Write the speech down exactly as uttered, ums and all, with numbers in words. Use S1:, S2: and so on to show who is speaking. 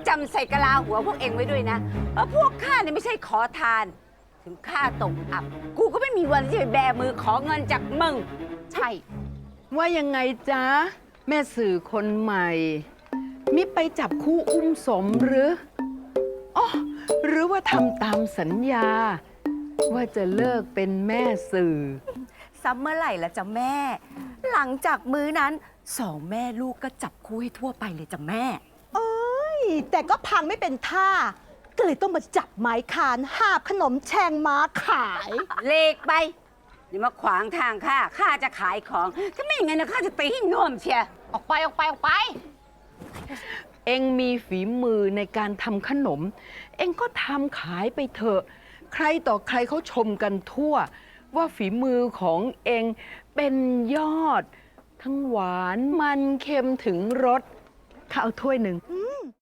S1: จำใส่กะลาหัวพวกเองไว้ด้วยนะว่าพวกข้าเนี่ยไม่ใช่ขอทาน ถึงข้าตกอับ กูก็ไม่มีวันที่จะไปแบมือขอเงินจากมึง
S2: ใช่
S3: ว่ายังไงจ๊ะ แม่สื่อคนใหม่ มิไปจับคู่อุ้มสมหรืออ๋อหรือว่าทำตามสัญญา ว่าจะเลิกเป็นแม่สื่อ
S2: ซัมเมื่อไหร่ละจ้ะแม่ หลังจากมื้อนั้นสองแม่ลูกก็จับคู่ให้ทั่วไปเลยจ้ะแม่
S4: แต่ก็พังไม่เป็นท่า ก็เลยต้องมาจับไม้คานหาบขนมแชงม้าขาย
S1: เลกไปอย่ามาขวางทางข้า ข้าจะขายของ ถ้าไม่อย่างนั้นนะข้าจะตีให้น่วมเชีย
S2: ออกไปออกไปออกไป
S3: เองมีฝีมือในการทำขนม เองก็ทำขายไปเถอะ ใครต่อใครเขาชมกันทั่ว ว่าฝีมือของเองเป็นยอด ทั้งหวานมันเค็มถึงรสข้าเอาถ้วยหนึ่ง